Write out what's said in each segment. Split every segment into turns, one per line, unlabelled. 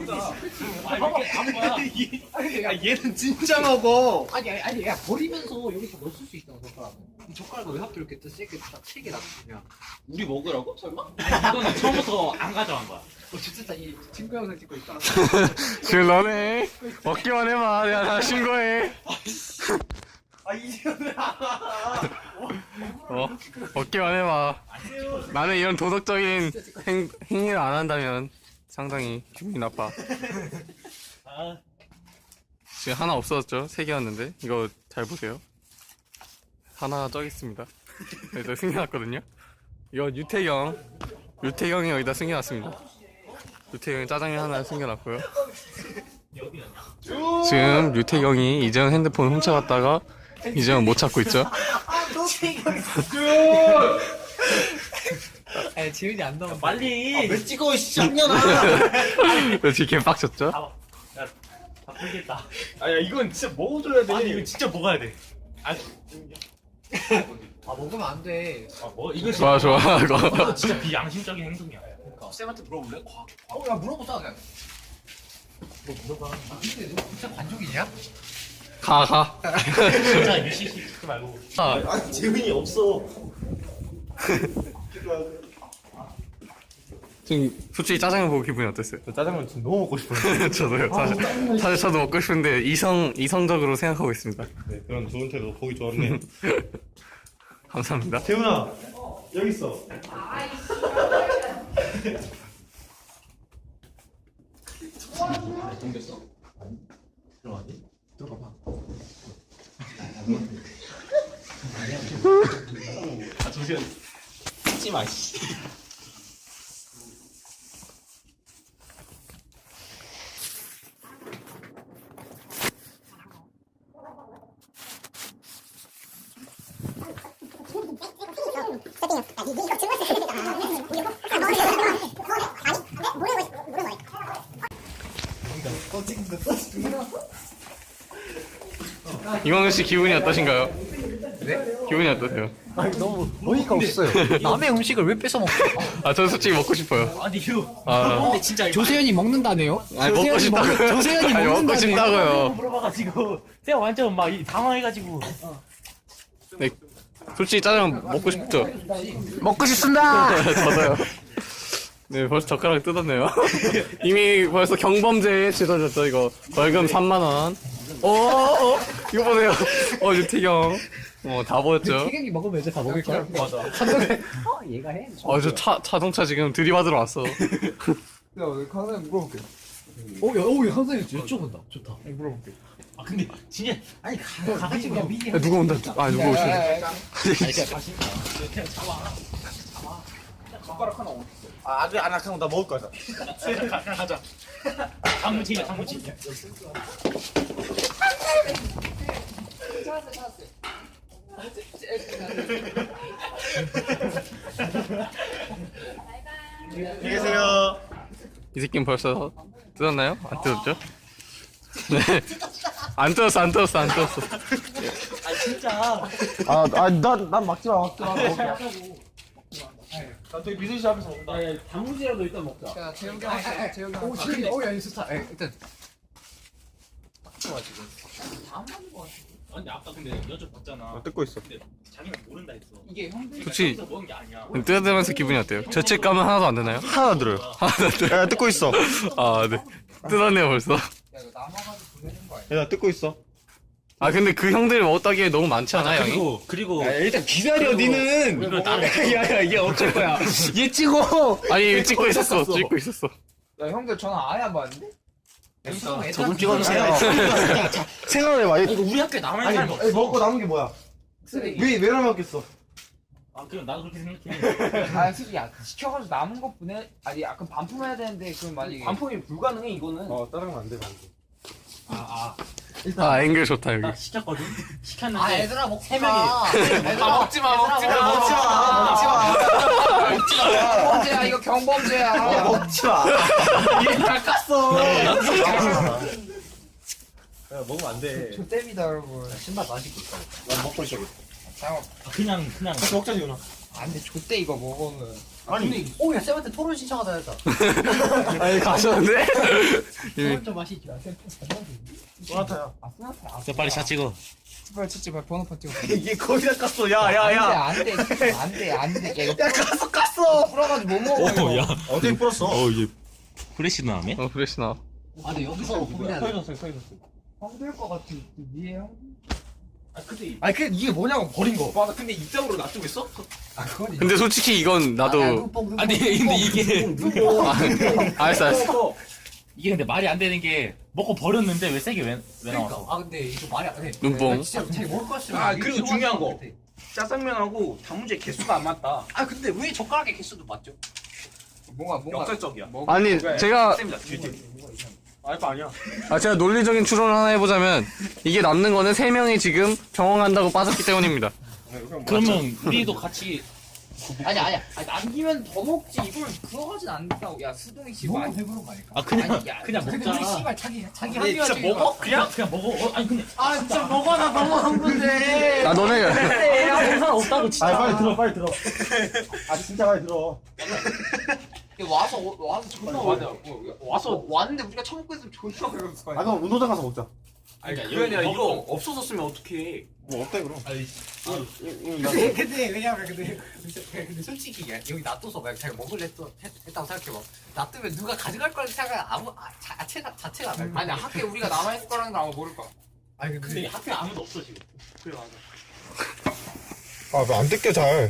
이렇게 안 거야.
얘는 진짜 먹어.
아니 야 버리면서 여기서 넣을 수 있다고 젓가락은. 이 젓가락을 왜 하필 이렇게 세게 딱 3개 놔두냐?
우리 먹으라고? 설마?
이거는 처음부터 안 가져간 거야.
진짜 이 친구 영상 찍고 있다.
지금 너네 먹기만 해봐. 내가 다 신고해.
이제는
먹기만 해봐. 나는 이런 도덕적인 행위를 안 한다면 상당히 기분이 나빠. 지금 하나 없어졌죠? 3개였는데 이거 잘 보세요. 하나 저기 있습니다. 여기다 숨겨놨거든요. 이거 유태경이 여기다 숨겨놨습니다. 유태경이 짜장면 하나 숨겨놨고요. 지금 유태경이 이재현 핸드폰 훔쳐갔다가 이재현 못 찾고 있죠.
아 지훈이 안 나온.
빨리.
왜 찍어 쌍년아.
지금 개빡쳤죠?
다 풀겠다.
아야 이건 진짜 먹어줘야 돼.
아니 이거 진짜 먹어야 돼.
아 먹으면 안 돼.
이거
좋아
이거 진짜 비양심적인 행동이야.
쌤한테 물어볼래?
야 물어보자 그냥. 뭐 물어봐. 근데 너 진짜 관종이냐?
가.
진짜 유시시 듣지 말고.
아니 재민이 없어.
지금 솔직히 짜장면 보고 기분이 어땠어요?
짜장면 지금 너무 먹고 싶어요.
저도요. 사실 저도 먹고 싶은데 이성적으로 생각하고 있습니다.
네, 그런 좋은 태도 보기 좋았네요.
감사합니다.
재훈아 여기 있어.
생겼어? 들어가니? 들어가봐.
잠시만. 찍지 마. 씨.
이광현 씨 기분이 어떠신가요?
네?
기분이 어떠세요?
아니 너무 어이가 없어요. 남의 음식을 왜 뺏어 먹어?
저 솔직히 먹고 싶어요.
아니 이거.
아,
근데 진짜 이거
조세현이 먹는다네요.
아니 먹고 싶다고요.
조세현이
아니 먹고
먹는다네요.
싶다고요.
물어봐가지고 제가 완전 막 당황해가지고.
네, 솔직히 짜장면 먹고 싶죠?
먹고 싶습니다.
저도요. 네, 벌써 젓가락을 뜯었네요. 이미 벌써 경범죄에 치러졌죠, 이거. 벌금 3만원. 이거 보세요. 유태경. 다 보였죠?
태경이 먹으면 이제 다 먹을 거야.
맞아.
얘가 해.
자동차 지금 들이받으러 왔어.
야, 강사님 물어볼게.
야, 한상이 여쭤본다. 좋다.
물어볼게.
아 근데 진짜 아니 가가지고 그냥 미리.
야, 누가 온다. 누가 오시네.
야, 야.
그냥 잡아.
젓가락 하나 어디 있어? 아직 안 하고 나 먹을 거야.
가자. 장무침이야 장무침.
안녕히 계세요.
이 새끼는 벌써 뜯었나요? 안 뜯었죠? 네. 안 뜯었어.
아 진짜.
난 막지 마. 나 저기 미술실 앞에서 먹는다.
단무지라도 일단 먹자.
야, 재영이 형. 재영이 형. 오, 재영이. 야, 이거 좋다. 일단. 좋아 지금. 안 맞는 거 같아.
아니 아까 근데 여쭤봤잖아.
뜯고 있어.
근데 자기는 모른다 했어.
이게 형들.
좋지.
여기서 먹은 게 아니야.
뜯으면서 기분이 어때요? 죄책감은 하나도 안 드나요?
하나 들어요.
하나도 안 들어요.
야, 뜯고 있어.
네. 뜯었네요, 벌써.
야, 이거 남아가지고 보내는 거 아니야?
야, 나 뜯고 있어.
근데 그 형들이 먹었다기에 너무 많지 않아, 양이?
그리고
일단 기다려, 니는.
이거 나를
야, 이게 어쩔 거야. 얘 찍어.
아니, 찍고 있었어.
야, 형들 전화 아예 안 받는데?
저좀 찍어주세요. 생각해봐.
이거 우리 학교에 남아있는 사람이 없어.
먹고 남은 게 뭐야? 왜 남았겠어?
아 그럼 나도 그렇게 생각해.
아, 솔직히 야, 시켜가지고 남은 것 보내. 아니, 약간 반품해야 되는데 그럼 만약에.
반품이 불가능해 이거는.
따라가면 안 돼,
앵글 좋다, 여기.
나 시켰거든. 시켰는데.
아, 얘들아 먹지
세
마. 얘들아
먹지 마.
먹지 마. 경범죄야, 이거 경범죄야.
먹지 마.
이게 다 깠어.
야, 먹으면 안 돼.
조땜이다, 여러분.
신발 마시고 있어.
난 먹고 있어.
자,
그냥.
같이 먹자, 지훈아. 안돼 좆대 이거 먹으면.
아니 오야 쌤한테 토론 신청하자 했다.
아니 가셨는데?
토론 좀 하시죠.
소나타야.
아 스나타.
자, 빨리 샷 찍어.
빨리 찍지 말 번호판 찍어.
얘 거기다 깠어. 야.
안돼. 야 이거
야, 깠어.
풀어가지고 못 먹어.
야.
어떻게 풀었어?
얘 프레시 나네?
그래시 나.
아 근데 여기서 고민해야 돼.
형들 거 같아. 위에 형.
아니 근데 이게 뭐냐고 버린 거.
와 근데 이쪽으로 놔두고 있어?
아 그건
근데 솔직히 이건 나도.
아니 근데 이게
알았어.
이게 근데 말이 안 되는 게 먹고 버렸는데 왜 세게 왜
그러니까
나왔어?
아 근데 이거 말이 안 돼.
눈뽕.
나 진짜 잘 먹을 것 같으면.
아, 그리고 중요한 거. 짜장면하고 단무지 개수가 안 맞다.
아 근데 왜 젓가락의 개수도 맞죠?
뭔가
역설적이야.
아니 제가
쌤이다 뒤에.
알바 아니야.
제가 논리적인 추론을 하나 해보자면 이게 남는 거는 3명이 지금 병원간다고 빠졌기 때문입니다.
그러면 우리도 같이
아니야. 남기면 더 먹지. 이걸 그거 하진 않는다고. 야 수동이 씨
너무
많이.
배부른 거 아닐까?
아 그냥
아니, 야,
그냥
근데
먹자.
우리 씨발 자기
아니,
합리화
진짜 먹어?
그냥 먹어. 아니 근데
아 진짜 먹어 나 너무 한 건데.
아 너네
먹을 사람 없다고 진짜.
빨리 들어. 아 진짜 빨리 들어. 와서 존나 와서 왔는데 우리가 처먹고 있으면 존나 그랬을 거야.
그럼 운동장 가서 먹자.
아니
그게 아니라 이거 없어졌으면 어떡해.
뭐 없대 그럼.
근데 왜냐면 근데 솔직히 여기 놔둬서 만약 자기가 먹을래 했다고 생각해봐. 놔두면 누가 가져갈 거라는 생각 자체가 안 날.
아니 학교에 우리가 남아있을 거라는 걸 아마 모를 거야.
아니
근데 학교에 아무도 없어 지금.
그래 맞아.
왜 안 뜯겨 잘.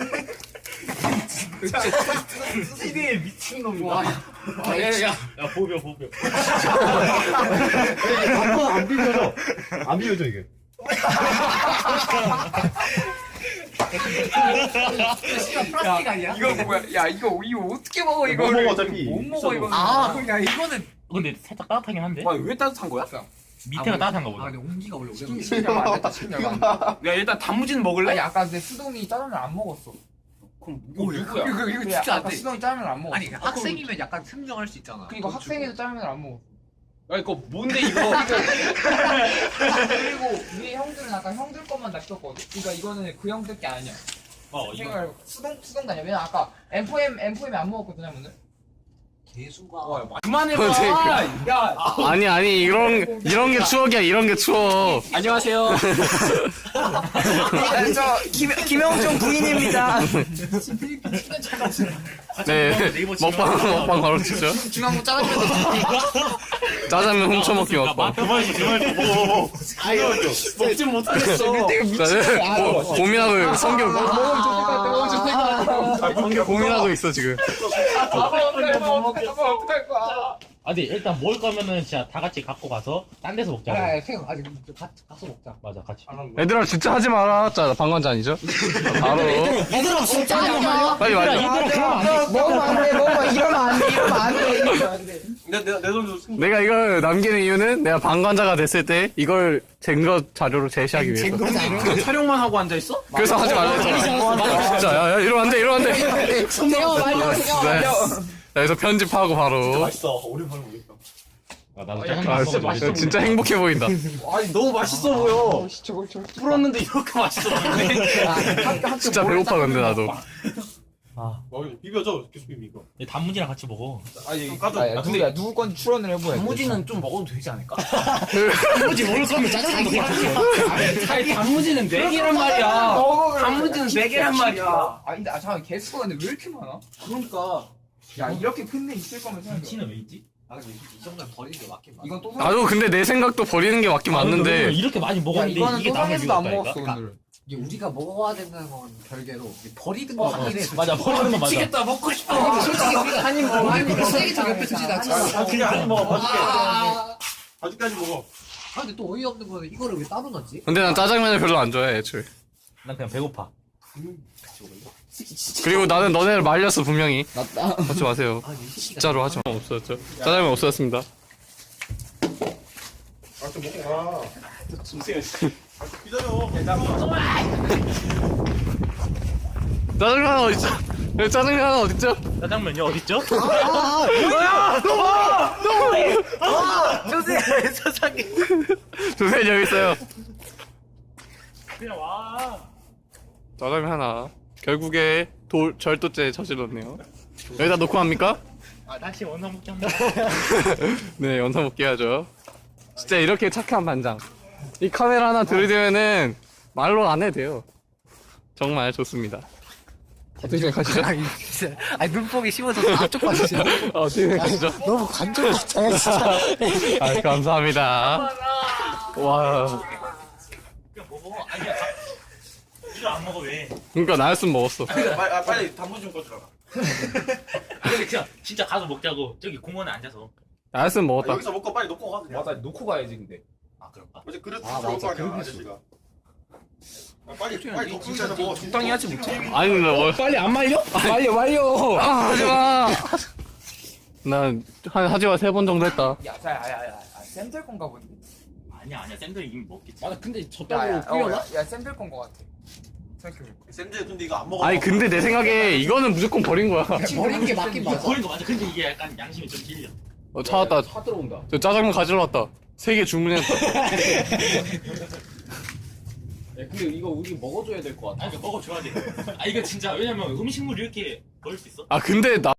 시대에 미친 놈이다.
야야야. 야 보벼.
안 비벼져. 안 비벼져 이게.
씨발 플라스틱 아니야?
이거 뭐야? 야 이거 어떻게 먹어 이거?
못 먹어, 어차피.
못 먹어 이거.
아 그럼 야 이거는
근데 살짝 따뜻하긴 한데.
왜 따뜻한 거야?
밑에가 따뜻한가
아
보다.
근데 온기가 원래 오래
야 일단 단무지는 먹을래? 아니 아까 근데 수동이 짜장면 안 먹었어. 그럼 누구야?
이거 진짜 안 돼.
수동이 짜장면 안 먹었어.
아니 학생이면 약간 승정할 수 있잖아.
그러니까 학생에도 짜장면을 안 먹었어.
야 이거 뭔데 이거?
그리고 위에 형들은 아까 형들 것만 낚였거든. 그러니까 이거는 그 형들 게 아니야.
이거
생각을 수동 다녀. 왜냐 아까 M4M이 안 먹었거든 하면은.
개수가
그만해봐. 야
아니 이런 게 추억이야. 이런 게 추억.
안녕하세요.
저 김영종 부인입니다.
네 먹방 바로 치죠.
중앙고 짜장면.
짜장면 훔쳐먹기 먹방.
그만해. 먹어. 먹진 못하겠어.
고민하고 성격
먹으면 좋을 것 같아. 먹으면 좋을 것 같아.
성격 고민하고 있어 지금.
아 근데 일단 먹을 거면은 진짜 다 같이 갖고 가서 딴 데서 먹자.
아직 가서 먹자.
맞아 같이.
얘들아 진짜 하지 마라. 자 방관자 아니죠? 바로
얘들아 진짜 아니야.
빨리 말해.
먹으면 안 돼. 이러면 안 돼.
내돈 좀.
내가 이걸 남기는 이유는 내가 방관자가 됐을 때 이걸 증거 자료로 제시하기 위해서.
촬영만 하고 앉아 있어?
그래서 하지 말라 했잖아. 진짜 야 이러면 안 돼. 여기서 편집하고 바로.
맛있어. 오랜만에 먹겠다.
나도
아,
짜장면
진짜,
먹어.
진짜 행복해 보인다.
아니 너무 맛있어 보여.
풀었는데 이렇게 맛있어.
진짜 배고파 근데 나도.
비벼줘. 계속 비비고.
단무지랑 같이 먹어.
아니
근데 누구 건지 출연을 해보야 돼.
단무지는 좀 먹어도 되지 않을까? 단무지 먹을 거면 짜장면도 같이.
아니 단무지는 4개란 말이야. 단무지는 4개란 말이야. 아니 근데 잠깐 개수가 근데 왜 이렇게 많아?
그러니까.
야 이렇게 큰 데 있을 거면 생각해.
김치는 왜 있지?
아 근데 이 정도는 버리는 게 맞긴 맞아.
이건 또
나도 근데 내 생각도 버리는 게 맞긴 맞는데.
이렇게 많이
야,
먹었는데
이거는
이게
또
남을
상에서도 안
이유가
먹었어
없다니까?
오늘은.
이게 우리가 먹어야 되는 건 별개로 버리는 거 하긴 해.
맞아 버리는 거 맞아.
미치겠다 먹고 싶어. 솔직히 우리가 한입 먹어. 아니 쓰레기 저 옆에 두지 나.
그냥 한 먹어.
아
아직까지 먹어.
근데 또 어이없는 거는 이거를 왜 따로 넣지?
근데 난 짜장면을 별로 안 좋아해 애초에.
난 그냥 배고파.
그리고 나는 너네를 말렸어 분명히. 하지 마세요.
아니 이 새끼가
진짜로 하지 마. 없어졌죠. 짜장면 없어졌습니다.
아좀 먹고 가. 기다려.
짜장면 하나 어딨죠? 짜장면 하나 어딨죠?
짜장면이 어딨죠?
조셉 여기 있어요.
그냥 와.
짜장면 하나. 결국에 절도죄 저질렀네요. 여기다 놓고 합니까?
다시 원상 먹기 한번.
네, 원상 복귀 하죠. 진짜 이렇게 착한 반장. 이 카메라 하나 들이대면은 말로 안 해도 돼요. 정말 좋습니다. 어떻게 생각하시죠?
아니 눈뽕이 심어서 앞쪽 봐주세요.
어떻게 생각하시죠?
너무 관종 같아요 진짜.
아, 감사합니다. 와,
그냥 먹어. 아니야. 이거 안 먹어 왜?
그러니까 나였으면 먹었어.
빨리 단무 좀 꺼주라.
근데 그냥 진짜 가서 먹자고. 저기 공원에 앉아서.
나였으면 먹었다.
여기서 먹고 빨리 놓고 가 그냥.
맞아 놓고 가야지 근데.
아 그런가?
어제 그릇
아,
들어올
맞아.
거 아니야
그릇
아저씨가. 빨리 놓고 있어야 먹어.
적당히 하지 못해.
아니, 나
빨리 안 말려? 말려.
아, 하지마. 난 하지마 3번 정도 했다.
야야야야 쌤들 건가 본데.
아니야 쌤들 이미 먹겠지.
맞아 근데 저 떡으로 뿌려나? 야 쌤들 건 거 같아. 생각해보니까.
쌤들 근데 이거 안 먹어.
아니, 근데 내 생각에 이거는 무조건 버린 거야.
버린 게 맞긴
이거
맞아.
버린 거 맞아. 근데 이게 약간 양심이 좀 찔려.
찾았다.
차 들어온다.
저 짜장면 가지러 왔다. 3개 주문했다.
야, 근데 이거 우리 먹어줘야 될 것 같아.
아니 이거 먹어줘야 돼. 아 이거 진짜 왜냐면 음식물 이렇게 버릴 수 있어?
아, 근데 나